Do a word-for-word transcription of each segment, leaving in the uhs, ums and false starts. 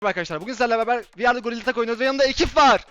Arkadaşlar bugün sizlerle beraber V R'da Gorilla Tag oynuyoruz ve yanımda ekip var.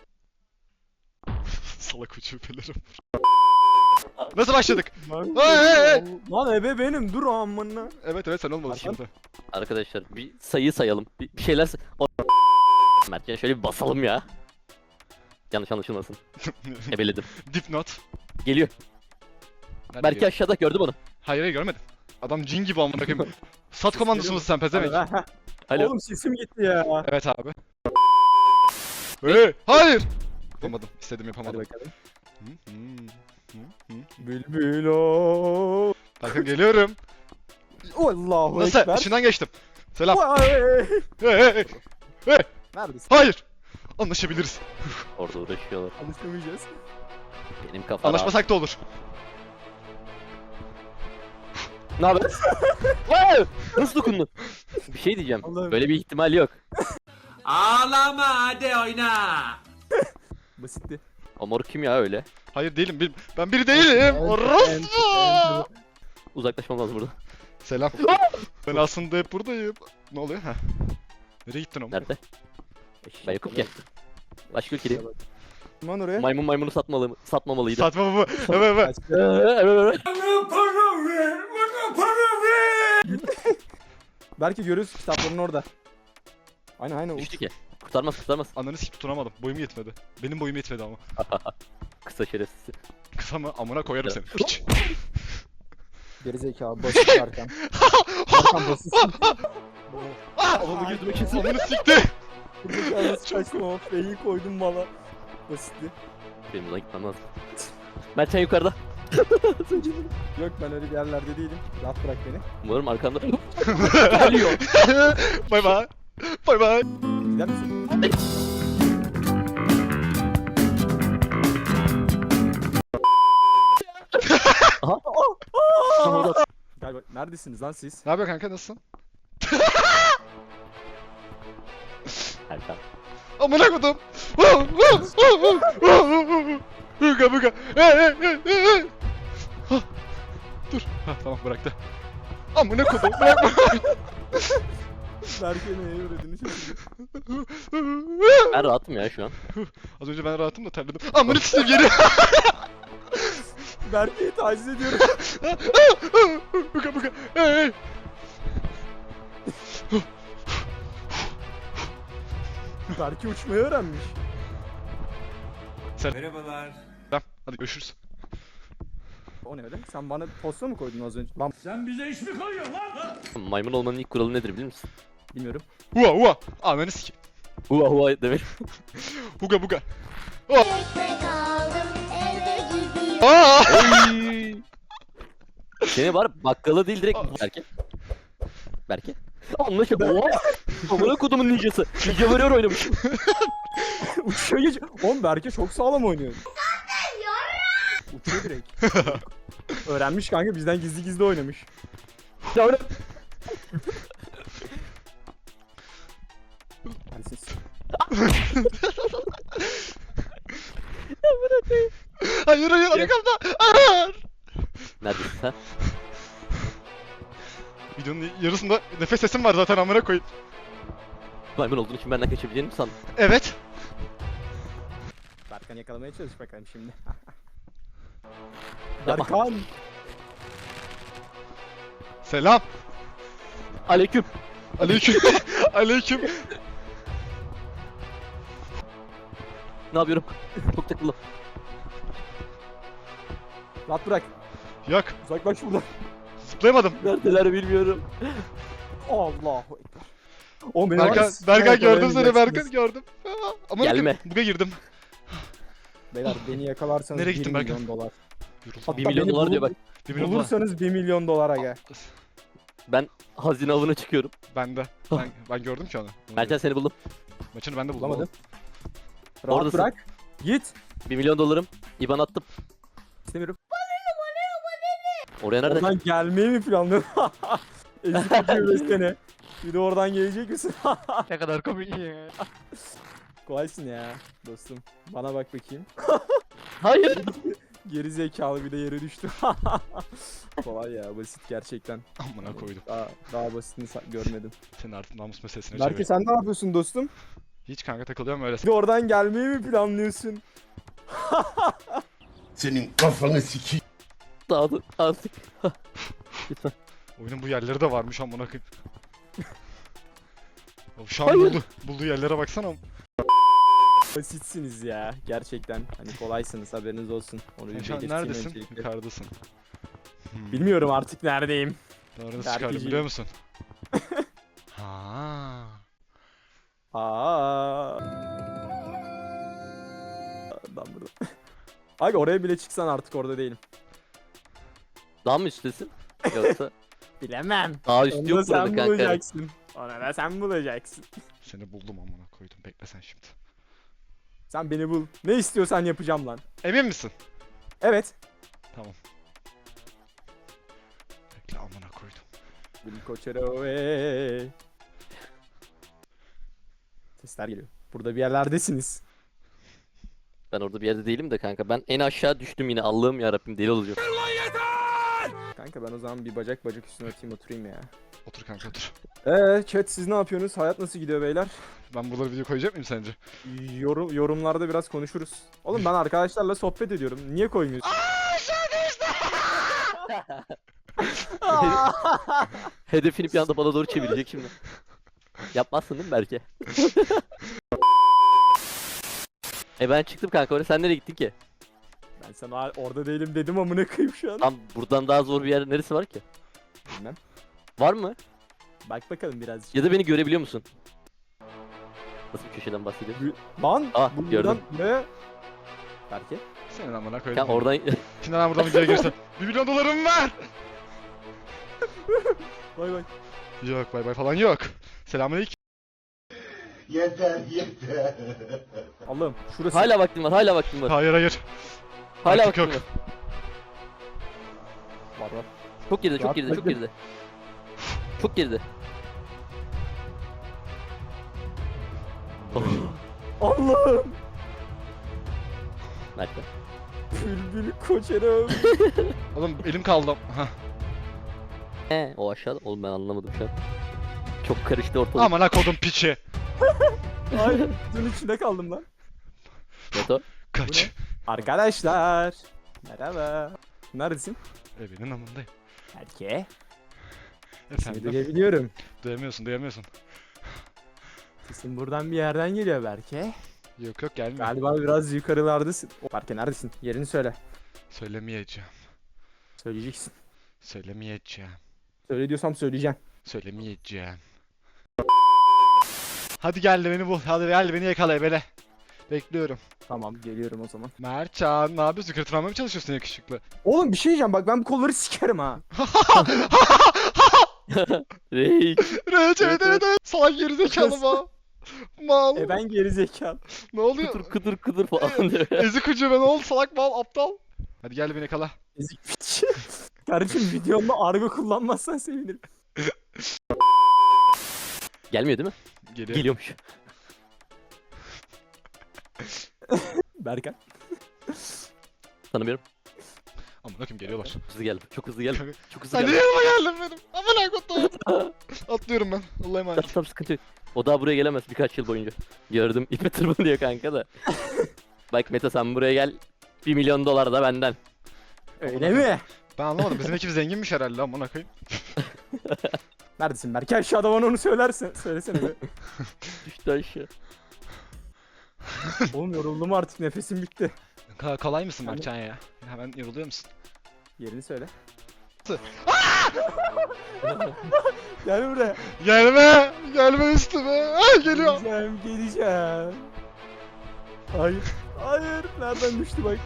Salak uçupelerim. Nasıl başladık? Lan, Hey, hey, hey. lan ebe benim dur amına. Evet evet sen olmadın Hasan? şimdi. Arkadaşlar bir sayı sayalım. Bir, bir şeyler say- O- Mert ya şöyle bir basalım ya. Yanlış anlaşılmasın. Ebeledim. Dipnot. Geliyor. Nerede Belki geliyor? aşağıda gördü bunu. Hayır hayır görmedim. Adam cin gibi amına koyayım. Sat komandosu musun sen pezevenk? Alo. Oğlum sesim gitti ya. Evet abi. Hey, hayır. Yapamadım. İstedim Hadi yapamadım. bakalım. Hı, hı, hı, hı. Bülbül o. Bakın geliyorum. Allahu Nasıl? ekber. İçinden geçtim. Selam. Vay. Hey hey hey. Neredesin? Hayır. Anlaşabiliriz. Orada uğraşıyorlar. Anlaşamayacağız. Benim kafam rahat. Anlaşmasak da olur. Ne haber? Wow! Nasıl dokundun? Bir şey diyeceğim. Allah'ım. Böyle bir ihtimal yok. Ağlama hadi oyna. Basitti. O mor kim ya öyle? Hayır değilim. bir- Ben biri değilim. Orospu. Uzaklaşmam lazım burada. Selam. Ben aslında hep buradayım. Ne oluyor ha? Nereye gittin ama? Nerede? Ben yokum ki. Başka ülkedeyim. Aman oraya. Maymun maymunu satmalı satmamalıydı. Satma baba. Evet evet. Kaç- Ee, evet, evet. Bana para ver, bana para ver. Belki görürüz kitapların orada. Aynen aynen. Düştü ki. Kurtarmaz kurtarmaz. Ananı hiç tutunamadım. Boyum yetmedi. Benim boyum yetmedi ama. Kısa şerefsiz. Kısa mı? Amına koyarım seni. Piç. Gerizekalı basit Erkan. Erkan basit. Onu gözüme kesin. Amını sikti. Gerizekalı nasıl kaçtım ama feyi koydum mala. Basitti. Benim buna gitmem lazım. Mertcan yukarıda. Yok ben öyle bir yerlerde değilim. Rahat bırak beni. Umarım arkamda geliyor. Bay bay. Bay bay. Gider misin? Galiba neredesiniz lan siz? Ne yapıyor kanka nasılsın? Erkan. Amına kodum. Buga buga. Hey hey hey hey. Hah, dur. Ha tamam bıraktı. Amına kodum. Bırakma. Berke neye uğradığını şaşırdım. Ben rahatım ya şu an. Az önce ben rahatım da terledim. Amına sikeyim geri. Berke'yi taciz ediyorum. Buga buga. Hey hey. Berke uçmayı öğrenmiş. Merhabalar. Tamam hadi görüşürüz. O ne öyle? Sen bana posta mı koydun az önce? Lan Sen bize iş mi koyuyorsun lan? Maymun olmanın ilk kuralı nedir bilir misin? bilmiyorum. Hua hua. Ananı sikeyim. Hua hua demek. Buga buga. Ekmek aldım eve gidiyorum. Aa! Seni var bakkala değil direkt Berke. Berke. Anlaşıldı. Oha! Amına kodumun ninjası. Ninja Warrior oynamış. Uçuyor geç. Oğlum Berke çok sağlam oynuyor. Uçuyor direkt. Öğrenmiş kanka bizden gizli gizli oynamış. Ya öyle. Hadi siz. Hayır hayır arkamda. Hayır. Neredesin sen? Videonun yarısında nefes sesim var zaten amına koyayım. Maymun olduğun için benden kaçabileceğini mi sandın? Evet. Berkan yakalamaya çalış bakalım şimdi. Yapma. Berkan. Selam. Aleyküm. Aleyküm. Aleyküm. Ne yapıyorum? Çok takıldım. Rahat bırak. Yok. Uzaklaş buradan. Zıplayamadım. Neredeler bilmiyorum. Allahu ekber. Oğlum beni Berkan, var ya, Berkan gördüm seni yakalayamayacaksınız. Berkan gördüm. Aa, Ama Gelme. Buga girdim. Beyler beni yakalarsanız Nereye bir gittin milyon Berkan? dolar. Bir Hatta milyon beni dolar bul- diyor bak. Bir milyon dolar. Bulursanız bir milyon dolar aga. Ben hazine avına çıkıyorum. Ben de. Ben, ben gördüm ki onu. Mertcan seni buldum. Maçını ben de buldum. Bulamadım. oğlum. Rahat Oradasın. bırak. Git. Bir milyon dolarım. İban attım. İstemiyorum. Oraya nereden? Oradan gelmeyi mi planlıyorsun? Ezik uçuyor seni. Bir de oradan gelecek misin? Ne kadar komik ya. Kolaysın ya dostum. Bana bak bakayım. Hayır. Geri zekalı bir de yere düştü. Kolay ya, basit gerçekten. Amına koydum. Daha, daha basitini sa- görmedim. Senin artık namus meselesine Belki çevir. sen ne yapıyorsun dostum? Hiç kanka takılıyorum öyle. Bir de oradan gelmeyi mi planlıyorsun? Senin kafanı sikeyim. Dağıldı artık. Lütfen. Oyunun bu yerleri de varmış amına koyayım. Ya Şu an Hayır. buldu. Bulduğu yerlere baksana. Basitsiniz ya gerçekten. Hani kolaysınız, haberiniz olsun. Onu Sen bir şu an belirteyim neredesin? öncelikle. Yukarıdasın. Hmm. Bilmiyorum artık neredeyim. Doğru nasıl Berkeciğim. çıkardım biliyor musun? Ha. Aa. Ben burada. Abi oraya bile çıksan artık orada değilim. Daha mı üsttesin? Yoksa Bilemem. daha Onu üstü da yok burada sen kanka. bulacaksın. Onu da sen bulacaksın. Seni buldum amına koydum. Bekle sen şimdi. Sen beni bul. Ne istiyorsan yapacağım lan. Emin misin? Evet. Tamam. Bekle amına koydum. Bil koçero. Sesler geliyor. Burada bir yerlerdesiniz. Ben orada bir yerde değilim de kanka. Ben en aşağı düştüm yine. Allah'ım yarabbim deli olacağım. Kanka ben o zaman bir bacak bacak üstüne atayım oturayım ya. Otur kanka otur. Eee chat siz ne yapıyorsunuz? Hayat nasıl gidiyor beyler? Ben buraları video koyacak mıyım sence? Yorum, yorumlarda biraz konuşuruz. Oğlum ben arkadaşlarla sohbet ediyorum. Niye koymuyorsun? Hedefini bir anda bana doğru çevirecek şimdi. Yapmazsın değil mi belki? e ben çıktım kanka oraya. Sen nereye gittin ki? Ben sana orada değilim dedim amına koyayım şu an. Tam buradan daha zor bir yer neresi var ki? Bilmem. Var mı? Bak bakalım birazcık. Ya da beni görebiliyor musun? Nasıl bir köşeden bahsediyorsun? Lan Ah, buradan gördüm. ne? Belki. Senin amına koydum. Kanka oradan... Şimdi ben buradan videoya girsem. Bir milyon dolarım var. Bay bay. Yok bay bay falan yok. Selamünaleyküm. Yeter yeter. Allah'ım şurası. hala vaktim var, hala vaktim var. Hayır hayır. Hala artık vaktim yok. var. Var var. Çok geride, çok Rahat geride, çok bırakın. geride. Çok geride. Oh. Allah'ım. Nerede? Bülbül koçero. Oğlum elim kaldı. Hah. He, o aşağıda. Oğlum ben anlamadım şu an. Çok karıştı ortalık. Amına kodum piçi. Ay bunun içinde kaldım lan. Beto. Kaç. Arkadaşlar. Merhaba. Neredesin? Evinin amındayım. Erke. Seni Efendim. duyabiliyorum. Duyamıyorsun duyamıyorsun. Sesin buradan bir yerden geliyor Berke. Yok yok gelmiyor. Galiba biraz yukarılardasın. O, Berke neredesin? Yerini söyle. Söylemeyeceğim. Söyleyeceksin. Söylemeyeceğim. Söyle diyorsam söyleyeceğim. Söylemeyeceğim. Hadi gel de beni bul. Hadi gel de beni yakala ebele. Bekliyorum. Tamam geliyorum o zaman. Mertcan ne yapıyorsun? Kırtırmaya mı çalışıyorsun yakışıklı? Oğlum bir şey diyeceğim bak ben bu kolları sikerim ha. Reik. Evet evet evet. evet. evet. Salak gerizekalı ma. Mal. E ben geri zekalı. Ne oluyor? Kıdır kıdır kıdır falan diyor. Ezik ucu ben ol salak mal aptal. Hadi gel beni yakala. Ezik piç. Kardeşim videomda argo kullanmazsan sevinirim. Gelmiyor değil mi? Geliyor. Geliyormuş. Berkan. Tanımıyorum. Amına koyayım geliyorlar. Çok hızlı geldim. Çok hızlı geldim. Çok hızlı Sen geldim. niye yanıma geldin benim? Amına koyayım. Atlıyorum ben. Allah'a emanet. Tamam tamam sıkıntı yok. O daha buraya gelemez birkaç yıl boyunca. Gördüm ipe tırmanıyor kanka da. Bak Mete sen buraya gel. Bir milyon dolar da benden. Öyle mi? Ben anlamadım. Bizim ekip zenginmiş herhalde amına koyayım. Neredesin Berke? Aşağıda bana onu söylersen. Söylesene be. Düştü aşağı. Oğlum yoruldum artık nefesim bitti. Ka kolay mısın Hani- Mertcan ya? Hemen yoruluyor musun? Yerini söyle. Tı. Gel buraya. Gelme! Gelme üstüme! Ah geliyor! Geleceğim, geleceğim. Hayır. Hayır. Nereden düştü bak.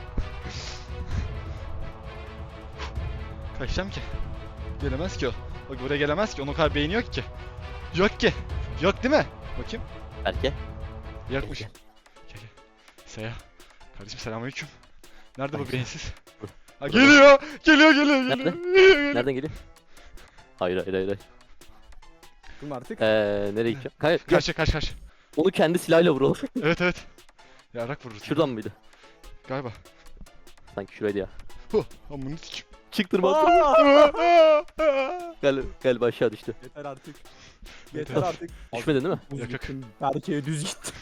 Kaçacağım ki. Gelemez ki o. Bak buraya gelemez ki. Onun o kadar beyni yok ki. Yok ki. Yok değil mi? Bakayım. Berke. Yokmuş. Gel gel. Seya. Kardeşim selamünaleyküm. Nerede bu Aleyküm. beyinsiz? Ha, Burada. geliyor. Geliyor geliyor geliyor. Nerede? Geliyor, geliyor. Nereden geliyor? Hayır hayır hayır. hayır. Dur artık. Eee nereye gideceğim? Hayır. gel. Karşı karşı karşı. Onu kendi silahıyla vuralım. Evet evet. Yarak vurur. Şuradan mıydı? Galiba. Sanki şuraydı ya. Huh, amına sikim. Çıktırma. Aa! Gel galiba aşağı düştü. Yeter artık. Yeter. Yeter artık. Düşmedin değil mi? Düz Yok, yok. gittim. Berke'ye düz gittim.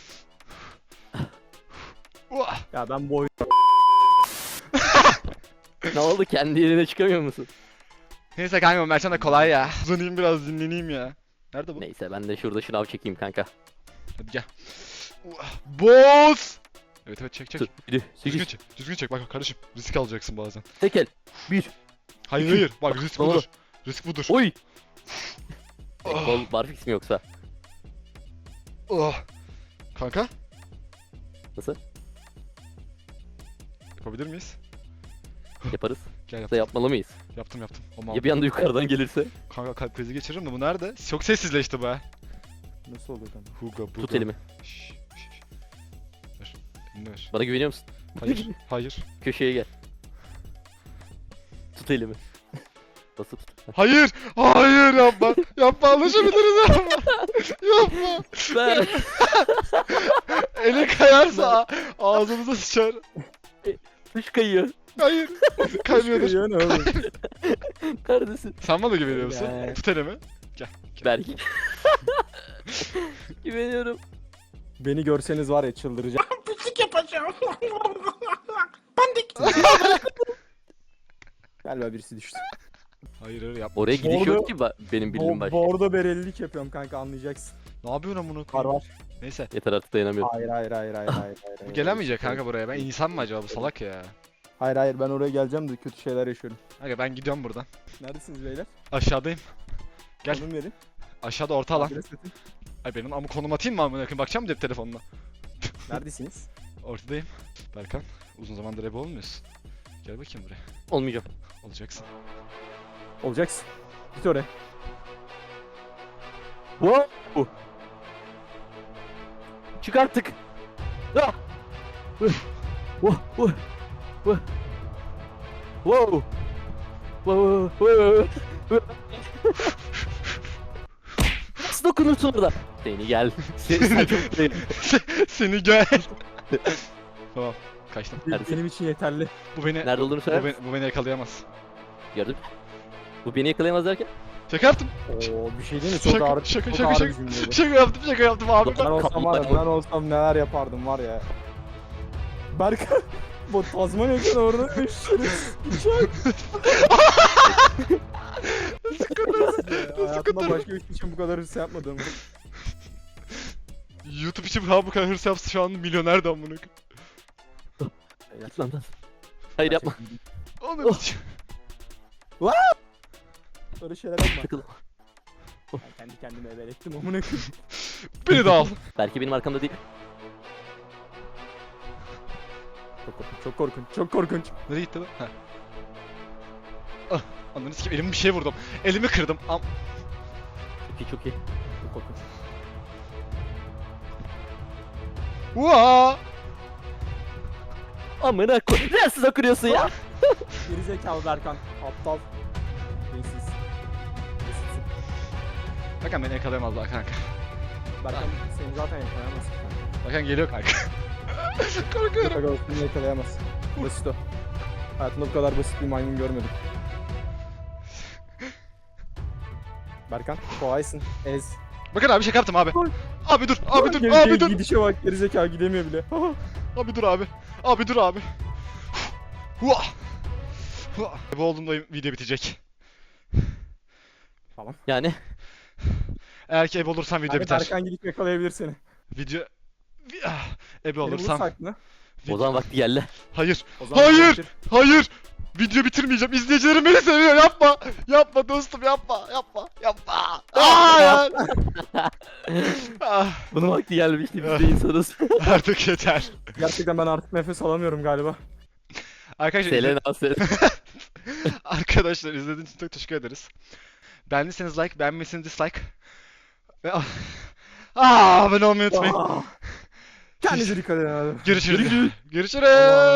Uah! Ya ben bu oyun... Ne oldu, kendi yerine çıkamıyor musun? Neyse kanka Mertcan da kolay ya. Uzanayım biraz dinleneyim ya. Nerede bu? Neyse ben de şurada şınav çekeyim kanka. Hadi gel. Uah! Boz! Evet evet çek çek. Dur, yedi, Düzgün sekiz, çek. Düzgün çek bak kardeşim. Risk alacaksın bazen. tekel, bir, Hayır İki. hayır. Bak risk Doğru. budur. Risk budur. oy! Oh. Kol barfix mi yoksa? Oh. Kanka Nasıl? yapabilir miyiz? Yaparız. Gel Da yaptım. yapmalı mıyız? Yaptım yaptım. Ama Ya bir anda yukarıdan gelirse? kanka kalp krizi geçiririm de bu nerede? Çok sessizleşti bu ha. Nasıl oluyor lan? Huga buga. Tut elimi. Şşş, şşş. Ver. Elini ver. Bana güveniyor musun? Hayır. Hayır. Köşeye gel. Tut elimi. Basıp tut. Hayır. Hayır yapma. Yapma alışabiliriz yapma. Yapma. Ben. Eli kayarsa a- ağzımıza sıçar. Tuş kayıyor. Hayır. Kaymıyordur. Ya ne oğlum? Neredesin? Sen bana güveniyor musun? Ya. Tut elimi. Berk. Güveniyorum. Beni görseniz var ya çıldıracağım. Pislik yapacağım. Pandik. Galiba birisi düştü. Hayır hayır yapma. Oraya gidiş Orada- yok ki ba- benim bildiğim Bo başka. bordo berelilik yapıyorum kanka, anlayacaksın. Ne yapıyorsun amına Var koyayım? var. Neyse. Yeter artık dayanamıyorum. Hayır hayır hayır hayır hayır. hayır, Bu hayır. gelemeyecek kanka buraya. Ben insan mı acaba bu salak ya? Hayır hayır, ben oraya geleceğim de kötü şeyler yaşıyorum. Kanka ben gidiyorum buradan. Neredesiniz beyler? Aşağıdayım. Gel. Konum verin. Aşağıda orta alan. Adres atın. Ay benim ama konum atayım mı amına koyayım? Bakacağım mı cep telefonuna? Neredesiniz? Ortadayım. Berkan, uzun zamandır ebe olmuyorsun. Gel bakayım buraya. Olmayacağım. Olacaksın. Olacaksın. Git oraya. Wow. Çık artık. Ah. Wow. Wow. Wow. Wow. Wow. Wow. Nasıl dokunursun orada? Seni gel. Sen, sen çok değil. Seni gel. Tamam. Kaçtım. Neredesin? Benim için yeterli. Bu beni Nerede olduğunu bu söyler beni, misin? bu beni yakalayamaz. Gördün mü? Bu beni yakalayamaz derken? Şaka yaptım. Oo, bir şey değil mi? Çok Şaka- ağır. şaka- çok şaka- ağır şaka- bir cümleydi. Şaka yaptım, şaka yaptım abi. Ben Ben... olsam var ya, ben olsam neler yapardım var ya. Berkay, bu Tazmanya'dan orada düştünüz. Hayatımda başka bir şey için bu kadar hırs yapmadım. YouTube için ha bu kadar hırs yapsa şu an milyoner de amına koyayım. Git lan lan. Hayır yapma. Onu Oh. Öyle şeyler yapma. Takıl. Ben kendi kendime ebelettim amına koyayım. Beni de al. Belki benim arkamda değil. Çok korkunç, çok korkunç, çok korkunç. Nereye gitti lan? Ha. Ah, ananı sikeyim elimi bir şey vurdum. Elimi kırdım. Am Çok iyi çok iyi. Çok korkunç. Uaa! Amına koy. Nasıl okuyorsun ya? Gerizekalı Berkan, aptal. Beysiz. Beysizsin. Bakın beni yakalayamazlar kanka. Berkan seni zaten yakalayamaz. Bakın geliyor kanka. Korkuyorum. Berkan seni yakalayamaz. Basit o. Hayatımda bu kadar basit bir maymun görmedim. Berkan, kolaysın. Ez. Bakın abi şaka yaptım abi. Abi dur, abi dur, Geri- abi geri- dur. Gidişe bak, gerizekalı gidemiyor bile. Abi dur abi. Abi dur abi. Hua! Hua! Bu olduğunda video bitecek. Yani Eğer ki ebe olursam video Abi biter. Berkan gidip yakalayabilir seni. Video... Vi- ah, Ebe Beni olursam... vursak mı? o zaman vakti geldi. Hayır, O zaman Hayır! gerekir. hayır! Video bitirmeyeceğim. İzleyicilerim beni seviyor. Yapma! Yapma dostum yapma! Yapma! Yapma! Hayır! ah, Bunun vakti gelmişti, biz de insanız. artık yeter. Gerçekten ben artık nefes alamıyorum galiba. Arkadaşlar, izle- Selena ses. Arkadaşlar izlediğiniz için çok teşekkür ederiz. Beğendiyseniz like, beğenmediyseniz dislike. Ve... Ah, abone olmayı unutmayın. Kendinize dikkat edin abi. Görüşürüz. Görüşürüz.